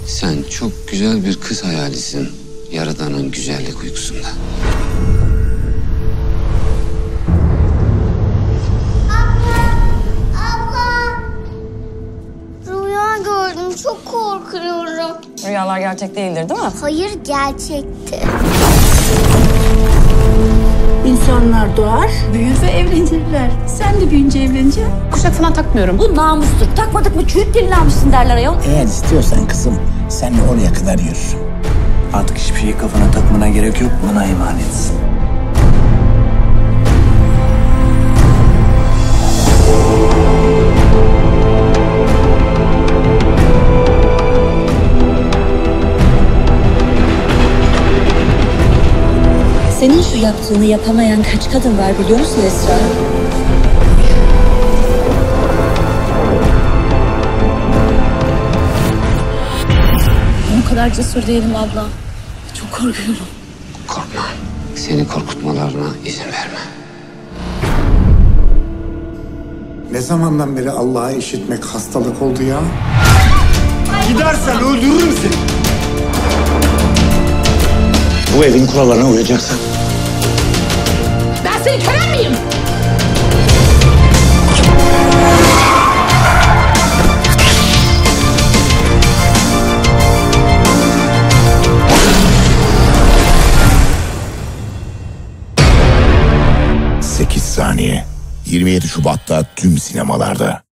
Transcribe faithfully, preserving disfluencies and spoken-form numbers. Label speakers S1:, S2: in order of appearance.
S1: Sen çok güzel bir kız hayalisin. Yaradanın güzellik uykusunda.
S2: Rüya gördüm. Çok korkuyorum.
S3: Rüyalar gerçek değildir, değil mi?
S2: Hayır, gerçekti.
S4: İnsanlar doğar, büyür ve evlenirler. Sen de büyüyünce evleneceksin.
S3: Kuşak falan takmıyorum.
S4: Bu namustur. Takmadık mı çürük dilini almışsın derler ayol.
S5: Eğer istiyorsan kızım, senle oraya kadar yürürüm. Artık hiçbir şeyi kafana takmana gerek yok, bana emanetsin.
S4: Senin şu yaptığını yapamayan kaç kadın var biliyor musun Esra? O kadar cesur değilim abla. Çok korkuyorum.
S1: Korkma. Seni korkutmalarına izin verme.
S6: Ne zamandan beri Allah'ı işitmek hastalık oldu ya?
S7: Gidersen öldürürüm seni.
S5: Bu evin kurallarına uyacaksın.
S4: Ben senin kölen miyim?
S8: sekiz saniye. yirmi yedi Şubat'ta tüm sinemalarda.